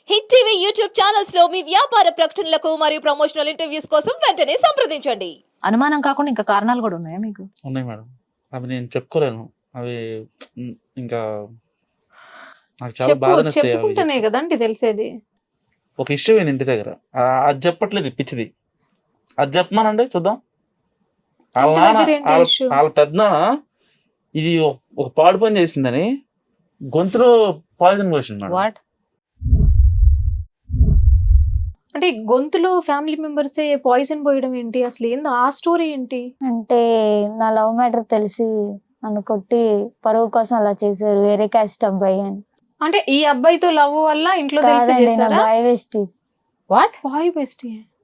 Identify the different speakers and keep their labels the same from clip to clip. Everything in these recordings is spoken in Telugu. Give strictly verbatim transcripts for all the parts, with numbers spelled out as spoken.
Speaker 1: హిట్ టీవీ యూట్యూబ్ ఛానల్స్ లో మీ వ్యాపార ప్రకటనలకు మరియు ప్రమోషనల్ ఇంటర్వ్యూస్ కోసం వెంటనే సంప్రదించండి.
Speaker 2: అనుమానం కాకుండా ఇంకా కారణాలు కూడా ఉన్నాయా మీకు?
Speaker 3: ఉన్నాయి మేడం, అవి నేను చెప్పుకోలేను. అవి ఇంకా నాకు చాలా బాధ
Speaker 4: చెప్పుకుంటేనే కదండి తెలిసేది.
Speaker 3: ఒక ఇష్యూ నేను ఇంటి దగ్గర ఆ- అది చెప్పట్లేదు పిచ్చిది, అది చెప్పమానండి చూద్దాం. వాళ్ళ
Speaker 4: ఇంటి
Speaker 3: నాన్న
Speaker 4: దగ్గర ఏంటి
Speaker 3: వాళ్ళ
Speaker 4: issue?
Speaker 3: వాళ్ళ పెద్ద ఇది ఒక- ఒక పాడు పని చేసిందని గొంతులో పాయిజన్ పోసింది మేడం.
Speaker 2: వాట్?
Speaker 4: అంటే గొంతులో ఫ్యామిలీ మెంబర్స్ పాయిజన్ పోయడం ఏంటి? అసలు ఏంది ఆ స్టోరీ ఏంటి?
Speaker 5: అంటే నా లవ్ మ్యాటర్ తెలిసి నన్ను కొట్టి పరువు కోసం అలా చేశారు, వేరే క్యాస్ట్ అబ్బాయి అని.
Speaker 4: అంటే ఈ అబ్బాయితో లవ్ వల్ల ఇంట్లో తెలిసి
Speaker 5: కాదండి, నా
Speaker 4: చేశారా?
Speaker 5: Boy waste.
Speaker 2: What?
Speaker 4: Boy best.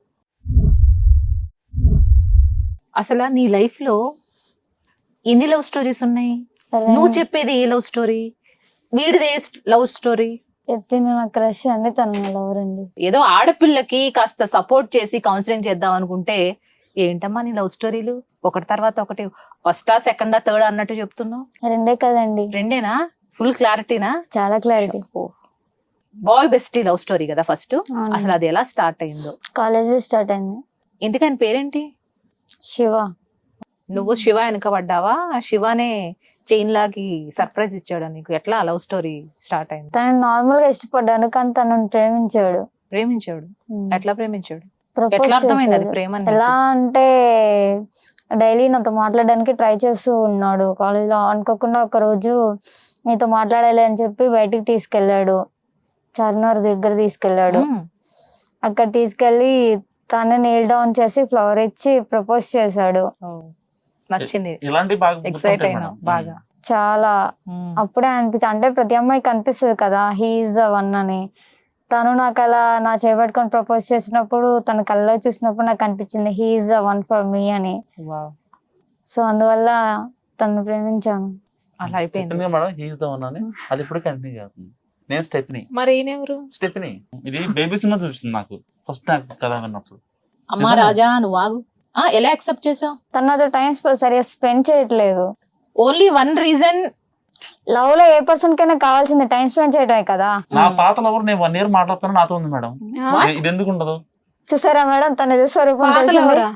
Speaker 2: అసలు నీ లైఫ్ లో ఎన్ని లవ్ స్టోరీస్ ఉన్నాయి? నువ్వు చెప్పేది ఏ లవ్ స్టోరీ, వీడిది ఏ లవ్ స్టోరీ?
Speaker 5: ఎత్తిన నా క్రష్ అండి, తను నా లవర్ అండి.
Speaker 2: ఏదో ఆడపిల్లకి కాస్త సపోర్ట్ చేసి కౌన్సిలింగ్ చేద్దాం అనుకుంటే ఏంటమ్మా నీ లవ్ స్టోరీలు ఒకటి తర్వాత ఒకటి, ఫస్టా సెకండా థర్డ్ అన్నట్టు చెప్తున్నావు.
Speaker 5: రెండే కదండి,
Speaker 2: రెండేనా? ఫుల్ క్లారిటీనా?
Speaker 5: చాలా clarity.
Speaker 2: Boy bestie love story కదా ఫస్ట్. అసలు అది ఎలా స్టార్ట్ అయిందో?
Speaker 5: కాలేజ్ స్టార్ట్ అయింది.
Speaker 2: ఇంతకని పేరేంటి?
Speaker 5: శివ.
Speaker 2: నువ్వు శివ వెనక పడ్డావా? శివనే చైన్ లాగి సర్ప్రైజ్ ఇచ్చాడు నీకు? ఎట్లా లవ్ స్టోరీ స్టార్ట్ అయింది?
Speaker 5: తను నార్మల్ గా ఇష్టపడ్డాను, కానీ తనను ప్రేమించాడు.
Speaker 2: ప్రేమించాడు?
Speaker 5: ఉమ్.
Speaker 2: ఎట్లా ప్రేమించాడు?
Speaker 5: Propose
Speaker 2: ఎట్లా అర్థమైంది అది
Speaker 5: చేశాడు.
Speaker 2: ప్రేమ అని?
Speaker 5: ఎలా అంటే డైలీ నాతో మాట్లాడడానికి ట్రై చేస్తూ ఉన్నాడు. కాలేజ్ లో అనుకోకుండా ఒక రోజు నీతో మాట్లాడాలి అని చెప్పి బయటికి తీసుకెళ్ళాడు, చార్మినార్ దగ్గర తీసుకెళ్ళాడు.
Speaker 2: మ్మ్.
Speaker 5: అక్కడ తీసుకెళ్లి తనే నీల్ డౌన్ చేసి ఫ్లవర్ ఇచ్చి ప్రపోజ్ చేశాడు.
Speaker 2: ఓ, నచ్చింది,
Speaker 3: ఇలాంటి బాగా
Speaker 2: ఎక్సైట్
Speaker 3: గుర్తుంటాయి
Speaker 2: అయినా
Speaker 3: మేడం.
Speaker 2: బాగా.
Speaker 5: చాలా
Speaker 2: మ్మ్.
Speaker 5: అప్పుడే అనిపించింది, అంటే ప్రతి అమ్మాయికి అనిపిస్తుంది కదా హీఈస్ ద వన్ అని. తను నాకు అలా నా చేపట్టుకొని ప్రపోజ్ చేసినప్పుడు, తన కళ్ళలో చూసినప్పుడు నాకు అనిపించింది he's the one for me అని.
Speaker 2: వావ్.
Speaker 5: సో అందువల్ల తను ప్రేమించాను.
Speaker 2: అలా అయిపోయింది.
Speaker 3: చెప్పింది కదా మేడం, హీస్ ద వన్ అని. అది ఇప్పుడు కంటిన్యూ అవుతుంది. నేను స్టెప్ని
Speaker 4: మరి ఈయనెవరు?
Speaker 3: స్టెప్ని ఇది బేబీ సినిమా చూస్తుంది నాకు ఫస్ట్ నాకు కథ విన్నప్పుడు.
Speaker 2: అమ్మా రాజా నువ్వు ఆగు. ఆ, ఎలా యాక్సెప్ట్ చేసావు?
Speaker 5: తను నాతో టైం సరిగా స్పెండ్ చేయట్లేదు.
Speaker 2: Only one reason.
Speaker 5: లవ్ లో ఏ పర్సన్ కైనా కావాల్సింది టైం స్పెండ్ చేయడమే కదా.
Speaker 3: నా పాత లవర్ నేను వన్ ఇయర్ మాట్లాడుతాను నాతో ఉంది మేడం.
Speaker 4: ఆ?
Speaker 3: ఇది- ఇది ఎందుకు ఉండదు?
Speaker 5: చూసారా మేడం, తన స్వరూపం
Speaker 4: పాతలు
Speaker 5: తెలిసింది.
Speaker 4: ఎవరా?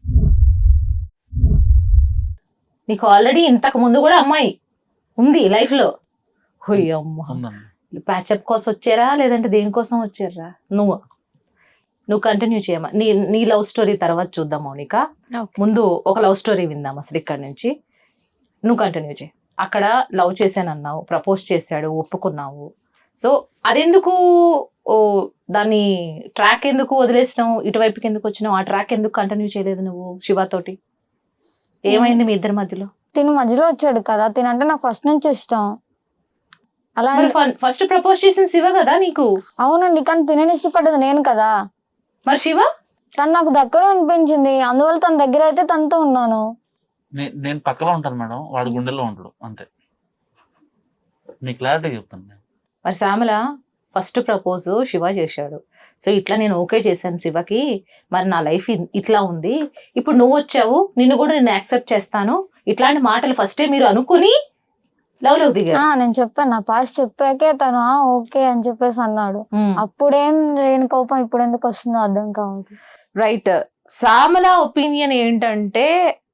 Speaker 2: నీకు ఆల్రెడీ ఇంతకు ముందు కూడా అమ్మాయి ఉంది లైఫ్ లో. హోయ్ అమ్మ,
Speaker 3: ఉందండి.
Speaker 2: ప్యాచప్ కోసం వచ్చారా లేదంటే దేనికోసం వచ్చారా? నువ్వు నువ్వు కంటిన్యూ చేయమా. నీ నీ లవ్ స్టోరీ తర్వాత చూద్దాం మౌనిక.
Speaker 4: Okay.
Speaker 2: ముందు ఒక లవ్ స్టోరీ విందాం అసలు ఇక్కడ నుంచి. నువ్వు కంటిన్యూ చేయి. అక్కడ లవ్ చేశానన్నావు, ప్రపోజ్ చేశాడు, ఒప్పుకున్నావు. సో అదెందుకు ఓ దాన్ని ట్రాక్ ఎందుకు వదిలేసినావు? ఇటువైపుకి ఎందుకు వచ్చినావు? ఆ ట్రాక్ ఎందుకు కంటిన్యూ చేయలేదు నువ్వు శివతోటి? ఏమైంది మీ ఇద్దరి మధ్యలో?
Speaker 5: తిను మధ్యలో వచ్చాడు కదా, తినంటే నాకు ఫస్ట్ నుంచి ఇష్టం. అలా
Speaker 2: ఫస్ట్ ప్రపోజ్ చేసిన శివ కదా నీకు?
Speaker 5: అవునండి, కానీ తినని ఇష్టపడ్డది నేను కదా.
Speaker 2: మరి శివ?
Speaker 5: తను నాకు దగ్గర అనిపించింది, అందువల్ల తన దగ్గర అయితే తనతో ఉన్నాను.
Speaker 3: నే- నేను పక్కలో ఉంటాను మేడం, వాడు గుండెల్లో ఉంటాడు అంతే. మీ క్లారిటీ చెప్తాను నేను.
Speaker 2: మరి శ్యామల ఫస్ట్ ప్రపోజ్ శివ చేశాడు. సో ఇట్లా నేను ఓకే చేశాను శివకి, మరి నా లైఫ్ ఇట్లా ఉంది, ఇప్పుడు నువ్వు వచ్చావు, నిన్ను కూడా నేను యాక్సెప్ట్ చేస్తాను, ఇట్లాంటి మాటలు ఫస్టే మీరు అనుకుని లవ్ లో దిగారు.
Speaker 5: ఆ నేను చెప్పాను, నా పాస్ చెప్పాకే తను "ఆ, ఓకే అని చెప్పేసి అన్నాడు.
Speaker 2: మ్మ్.
Speaker 5: అప్పుడేం లేని కోపం ఇప్పుడు ఎందుకు వస్తుందో అర్థం కావట్లేదు.
Speaker 2: రైట్. శ్యామల ఒపీనియన్ ఏంటంటే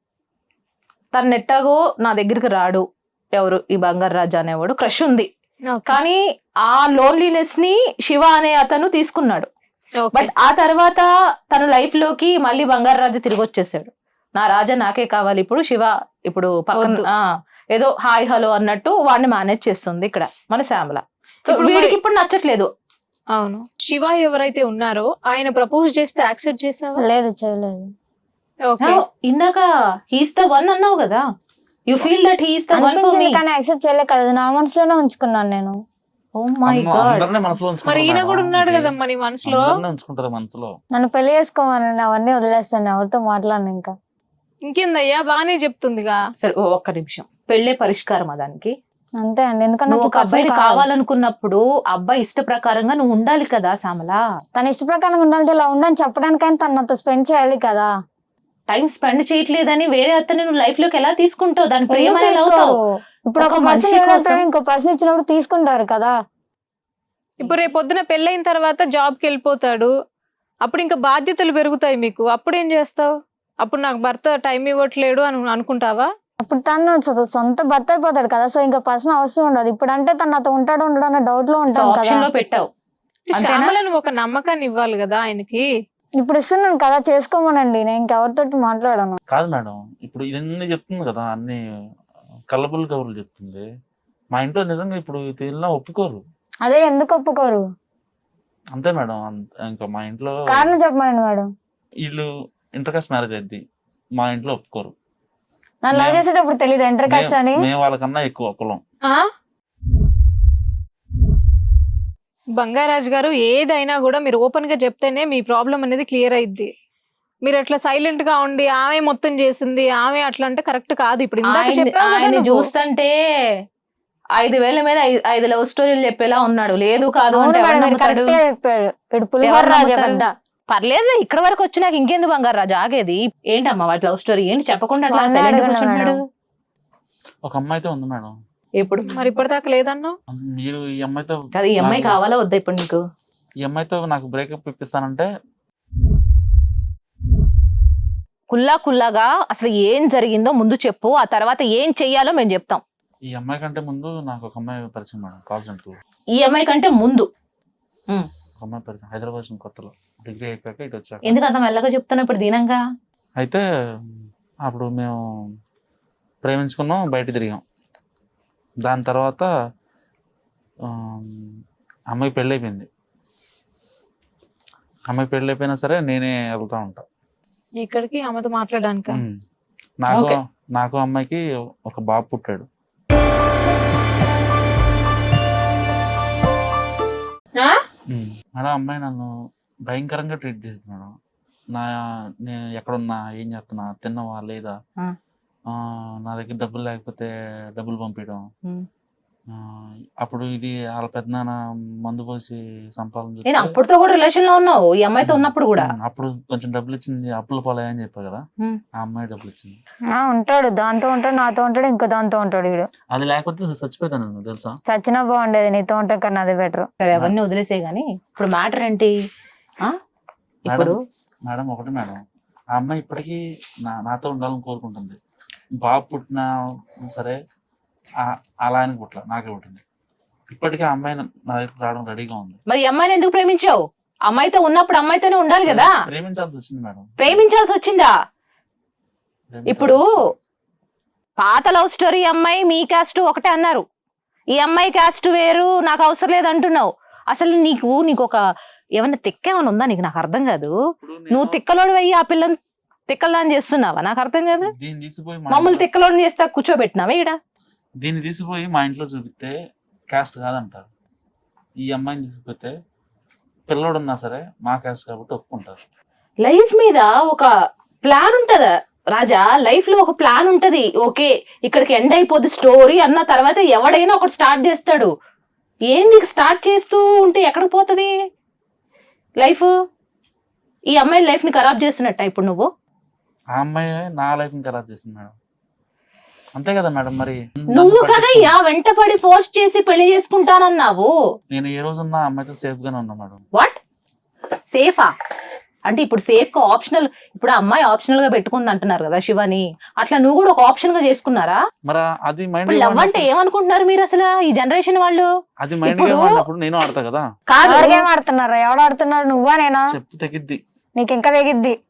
Speaker 2: తను ఎట్టాగో నా దగ్గరికి రాడు, ఎవరు ఈ బంగారు రాజా అనేవాడు, క్రష్ ఉంది,
Speaker 4: Okay.
Speaker 2: కానీ ఆ లోన్లీనెస్ ని శివ అనే అతను తీసుకున్నాడు.
Speaker 4: Okay.
Speaker 2: బట్ ఆ తర్వాత తన లైఫ్ లోకి మళ్ళీ బంగారు రాజు తిరిగి వచ్చేసాడు. నా రాజా నాకే కావాలి, ఇప్పుడు శివ ఇప్పుడు పక్కన
Speaker 4: వద్దు.
Speaker 2: ఆ, ఏదో హాయ్ హలో అన్నట్టు వాడిని మేనేజ్ చేస్తుంది ఇక్కడ మన శ్యామల. సో
Speaker 4: ఇప్పుడు
Speaker 2: వీడికి
Speaker 4: మరి-
Speaker 2: ఇప్పుడు నచ్చట్లేదు.
Speaker 4: అవును. శివ ఎవరైతే ఉన్నారో ఆయన ప్రపోజ్ చేస్తే యాక్సెప్ట్ చేసావా?
Speaker 5: లేదు, చేయలేదు.
Speaker 4: ఓకే.
Speaker 2: ఆ, ఇందాక హీస్ ద వన్ అన్నావు కదా, you feel that he's the one for me.
Speaker 5: అనిపించింది కానీ యాక్సెప్ట్ చేయలేదు కదా, నా మనసులోనే ఉంచుకున్నాను నేను.
Speaker 2: ఓ మై
Speaker 3: అమ్మ,
Speaker 2: గాడ్.
Speaker 3: అందరినీ మనసులో
Speaker 4: మరి
Speaker 3: ఉంచుకుంటారు
Speaker 4: ఈయన
Speaker 3: మేడం.
Speaker 4: కూడా ఉన్నాడు
Speaker 3: ఇది
Speaker 4: కదమ్మా నీ మనసులో.
Speaker 3: అందరినీ ఉంచుకుంటారు మనసులో.
Speaker 5: నన్ను పెళ్లి చేసుకోమని అవన్నీ వదిలేస్తాను, ఎవరితో మాట్లాడను ఇంకా.
Speaker 4: ఇంకేందయ్యా, బాగానే చెప్తుందిగా.
Speaker 2: సరే ఓ ఒక్క నిమిషం, పెళ్ళే పరిష్కారం దానికి.
Speaker 5: అంతే అండి, ఎందుకంటే
Speaker 2: నువ్వు
Speaker 5: నాకు
Speaker 2: ఒక
Speaker 5: person
Speaker 2: అబ్బాయిని
Speaker 5: కావాలి.
Speaker 2: కావాలనుకున్నప్పుడు అబ్బాయి ఇష్ట ప్రకారంగా నువ్వు ఉండాలి కదా శ్యామల.
Speaker 5: తన ఇష్ట ప్రకారంగా ఉండాలంటే ఇలా ఉండని చెప్పడానికైనా తను నాతో స్పెండ్ చేయాలి కదా.
Speaker 2: టైం స్పెండ్ చేయట్లేదని వేరే అతన్ని నువ్వు లైఫ్ లోకి ఎలా తీసుకుంటావు? దాని ప్రేమ
Speaker 5: ఎందుకు
Speaker 2: ఎలా
Speaker 5: తీసుకోరు?
Speaker 2: అవుతావు?
Speaker 5: ఇప్పుడు
Speaker 2: ఒక
Speaker 5: ఒక
Speaker 2: మనిషి
Speaker 5: పర్సన్
Speaker 2: కోసం-
Speaker 5: ఇంకో పర్సన్ ఇచ్చినప్పుడు తీసుకుంటారు కదా.
Speaker 4: ఇప్పుడు రేపు పొద్దున పెళ్ళైన తర్వాత జాబ్కి వెళ్ళిపోతాడు, అప్పుడు ఇంకా బాధ్యతలు పెరుగుతాయి మీకు, అప్పుడు ఏం చేస్తావు? అప్పుడు నాకు భర్త టైం ఇవ్వట్లేడు అని అనుకుంటావా?
Speaker 5: అప్పుడు తను సొ- సొంత భర్త అయిపోతాడు కదా, సో ఇంకా పర్సనల్ అవసరం ఉండదు. ఇప్పుడు అంటే తను నాతో ఉంటాడు ఉండడు అనే డౌట్ లో ఉంటాను కదా.
Speaker 2: ఆప్షన్ లో పెట్టావు. అంతేనా?
Speaker 4: శ్యామలను ఒక నమ్మకాన్ని ఇవ్వాలి కదా ఆయనకి.
Speaker 5: ఇప్పుడు ఇస్తున్నాను కదా, చేసుకోమనండి, నేను ఇంకెవరితోటి మాట్లాడాను.
Speaker 3: కాదు మేడం, ఇప్పుడు ఇవన్నీ చెప్తుంది కదా, అన్ని కళ్ళబుల్లి కబుర్లు చెప్తుంది. మా ఇంట్లో నిజంగా ఇప్పుడు వీళ్ళ ఒప్పుకోరు.
Speaker 5: అదే ఎందుకు ఒప్పుకోరు?
Speaker 3: అంతే మేడం. అంత- ఇంకా మా ఇంట్లో
Speaker 5: కారణం చెప్పమనండి మేడం.
Speaker 3: వీళ్ళు ఇంటర్ కాస్ట్ మ్యారేజ్ అయింది, మా ఇంట్లో ఒప్పుకోరు.
Speaker 5: నన్ను లవ్
Speaker 3: మేము-
Speaker 5: చేసేటప్పుడు తెలియదు ఇంటర్ కాస్ట్ అని.
Speaker 3: మేము మేము వాళ్ళకన్నా ఎక్కువ కులం.
Speaker 4: ఆ బంగారాజు గారు, ఏదైనా కూడా మీరు ఓపెన్ గా చెప్తేనే మీ ప్రాబ్లం అనేది క్లియర్ అయింది. మీరు అట్లా సైలెంట్ గా ఉండి ఆమె మొత్తం చేసింది, ఆమె అట్లా అంటే కరెక్ట్ కాదు. ఇప్పుడు ఇందాక
Speaker 2: ఆయన
Speaker 4: చెప్పావు కదా
Speaker 2: ఆయన
Speaker 4: నువ్వు.
Speaker 2: చూస్తుంటే ఐదు వేల మీద ఐ- ఐదు లవ్ స్టోరీలు చెప్పేలా ఉన్నాడు. లేదు కాదు
Speaker 5: అవును
Speaker 2: అంటే ఎవరు
Speaker 5: మేడం, మీరు
Speaker 2: నమ్ముతాడు?
Speaker 5: కరెక్ట్ గా చెప్పాడు. ఇప్పుడు పులిహోర
Speaker 2: ఎవరు
Speaker 5: రాజా
Speaker 2: నమ్ముతారు?
Speaker 5: పెద్ద.
Speaker 2: పర్లేదు, ఇక్కడ వరకు వచ్చినాక ఇంకెందుకు బంగారు రాజు ఆగేది? ఏంటమ్మా వాటి లవ్ స్టోరీ ఏంటి? చెప్పకుండా అట్లా
Speaker 5: వాళ్ళే
Speaker 2: silent గా
Speaker 5: అడగండి
Speaker 2: కూర్చుంటున్నాడు.
Speaker 5: మేడం.
Speaker 3: ఒక అమ్మాయితో ఉంది మేడం.
Speaker 2: ఇప్పుడు
Speaker 4: మరి ఇప్పటిదాకా లేదన్నా?
Speaker 3: మీరు ఈ అమ్మాయితో
Speaker 2: కాదు, ఈ అమ్మాయి
Speaker 3: నాకు-
Speaker 2: కావాలా వద్దా ఇప్పుడు నీకు?
Speaker 3: ఈ అమ్మాయితో నాకు బ్రేకప్ ఇప్పిస్తానంటే
Speaker 2: కుల్లా కుల్లాగా అసలు ఏం జరిగిందో ముందు చెప్పు, ఆ తర్వాత ఏం చెయ్యాలో మేము చెప్తాం.
Speaker 3: ఈ అమ్మాయి కంటే ముందు నాకు ఒక అమ్మాయి పరిచయం మేడం, కాల్ సెంటర్.
Speaker 2: ఈ అమ్మాయి కంటే ముందు ఉమ్.
Speaker 3: ఒక అమ్మాయి పరిచయం హైదరాబాద్ నుంచి కొత్తలో, డిగ్రీ అయిపోయాక ఇటు వచ్చాక.
Speaker 2: ఎందుకు అంత మెల్లగా చెప్తాను ఇప్పుడు దీనంగా?
Speaker 3: అయితే అప్పుడు మేము ప్రేమించుకున్నాం, బయట తిరిగాం. దాని తర్వాత ఆ, అమ్మాయి పెళ్ళి అయిపోయింది. అమ్మాయి పెళ్ళి అయిపోయినా సరే నేనే వెళ్తా ఉంటా.
Speaker 4: ఇక్కడికి ఆమెతో మాట్లాడడానికి.
Speaker 3: ఉమ్. నాకు
Speaker 2: Okay.
Speaker 3: నాకు అమ్మాయికి ఒక బాబు పుట్టాడు. ఉమ్. మేడం అమ్మాయి నన్ను భయంకరంగా ట్రీట్ చేసింది మేడం. నా నేను ఎక్కడున్నా, ఏం చేస్తున్నా, తిన్నావా లేదా,
Speaker 2: ఆ.
Speaker 3: ఆ, నా దగ్గర డబ్బులు లేకపోతే డబ్బులు పంపించడం.
Speaker 2: ఉమ్.
Speaker 3: ఆ, అప్పుడు ఇది వాళ్ళ పెద్దనాన్న మందు పోసి సంపాదన
Speaker 2: నేను
Speaker 3: చేస్తే-
Speaker 2: అప్పుడుతో కూడా రిలేషన్ లో ఉన్నావు, ఈ అమ్మాయితో ఉన్నప్పుడు కూడా.
Speaker 3: ఉమ్, అప్పుడు కొంచెం డబ్బులు ఇచ్చింది, అప్పుల పాలయ్యని చెప్పా కదా,
Speaker 2: ఉమ్.
Speaker 3: ఆ అమ్మాయి డబ్బులు ఇచ్చింది.
Speaker 5: ఆ, ఉంటాడు, దాంతో ఉంటాడు, నాతో ఉంటాడు, ఇంకో దాంతో ఉంటాడు. వీడు
Speaker 3: అది లేకపోతే చచ్చిపోతాను నేను, తెలుసా.
Speaker 5: చచ్చినా బాగుండేది, నీతో ఉంటే కన్నా అదే బెటర్.
Speaker 2: సరే అవన్నీ వదిలేసే గానీ ఇప్పుడు మ్యాటర్ ఏంటి? ఆ? ఇప్పుడు
Speaker 3: మేడం ఒకటి మేడం, ఆ అమ్మాయి ఇప్పటికీ నా నాతో ఉండాలని కోరుకుంటుంది. బాబు పుట్టినా సరే ఆ- అలా ఆయన పుట్ల నాకే పుట్టింది. ఇప్పటికీ ఆ అమ్మాయి నా నా దగ్గరికి రావడం రెడీగా ఉంది.
Speaker 2: మరి ఈ అమ్మాయిని ఎందుకు ప్రేమించావు? అమ్మాయితో ఉన్నప్పుడు అమ్మాయితోనే ఉండాలి కదా.
Speaker 3: ప్రేమించాల్సి వచ్చింది మేడం.
Speaker 2: ప్రేమించాల్సి వచ్చిందా?
Speaker 3: ప్రేమించాల్సి
Speaker 2: ఇప్పుడు
Speaker 3: వచ్చింది.
Speaker 2: పాత లవ్ స్టోరీ అమ్మాయి మీ క్యాస్ట్ ఒకటే అన్నారు, ఈ అమ్మాయి క్యాస్ట్ వేరు, నాకు అవసరం లేదు అంటున్నావు. అసలు నీకు నీకు ఒక ఏమన్నా తిక్క ఏమైనా ఉందా నీకు? నాకు అర్థం కాదు.
Speaker 3: ఇప్పుడు నేను
Speaker 2: నువ్వు తిక్కలోడు వెయ్యి ఆ పిల్లని తిక్కలని చేస్తున్నావా? నాకు అర్థం కాదు.
Speaker 3: దీన్ని తీసిపోయి మా
Speaker 2: మమ్మల్ని
Speaker 3: ఇంట్లో-
Speaker 2: తిక్కలోని చేస్తా కూర్చోబెట్టినావా ఈడ?
Speaker 3: దీన్ని తీసిపోయి మా ఇంట్లో చూపిస్తే క్యాస్ట్ కాదంటారు. ఈ అమ్మాయిని తీసుకుపోతే పిల్లోడు ఉన్నా సరే మా క్యాస్ట్ కాబట్టి ఒప్పుకుంటారు.
Speaker 2: లైఫ్ మీద ఒక ప్లాన్ ఉంటదా రాజా? లైఫ్ లో ఒక ప్లాన్ ఉంటది. ఓకే ఇక్కడికి ఎండ్ అయిపోద్ది స్టోరీ అన్న తర్వాత ఎవడైనా ఒకటి స్టార్ట్ చేస్తాడు. ఏంది స్టార్ట్ చేస్తూ ఉంటే ఎక్కడికి పోతుంది లైఫ్? ఈ అమ్మాయి లైఫ్ ని ఖరాబ్ చేస్తున్నట్ట ఇప్పుడు నువ్వు?
Speaker 3: ఆ అమ్మాయి నా లైఫ్ ని ఖరాబ్ చేస్తుంది మేడం. అంతే కదా మేడం. మరి
Speaker 2: నువ్వు
Speaker 3: నన్ను
Speaker 2: కదా యా వెంట పడి ఫోర్స్ చేసి పెళ్లి చేసుకుంటానన్నావు.
Speaker 3: నేను ఏ రోజున్నా ఆ అమ్మాయితో సేఫ్ గానే ఉన్నా మేడం.
Speaker 2: వాట్ సేఫా అంటే ఇప్పుడు సేఫ్ గా ఆప్షనల్, ఇప్పుడు ఆ అమ్మాయి ఆప్షనల్ గా పెట్టుకుంది అంటున్నారు కదా శివని, అట్లా నువ్వు కూడా ఒక ఆప్షన్ గా చేసుకున్నారా?
Speaker 3: మరి అది మైండ్
Speaker 2: ఇప్పుడు లవ్ అంటే ఏమనుకుంటున్నారు మీరు అసలు ఈ జనరేషన్ వాళ్ళు?
Speaker 3: అది మైండ్
Speaker 2: ఇప్పుడు-
Speaker 3: గేమ్ ఆడినప్పుడు నేను ఆడతా కదా.
Speaker 2: కాదు
Speaker 5: ఎవరికేం ఆడుతున్నారు? ఎవడు ఆడుతున్నారు, నువ్వా నేనా?
Speaker 3: చెప్తే తగ్గిద్ది.
Speaker 5: నీకు ఇంకా తెగిద్ది.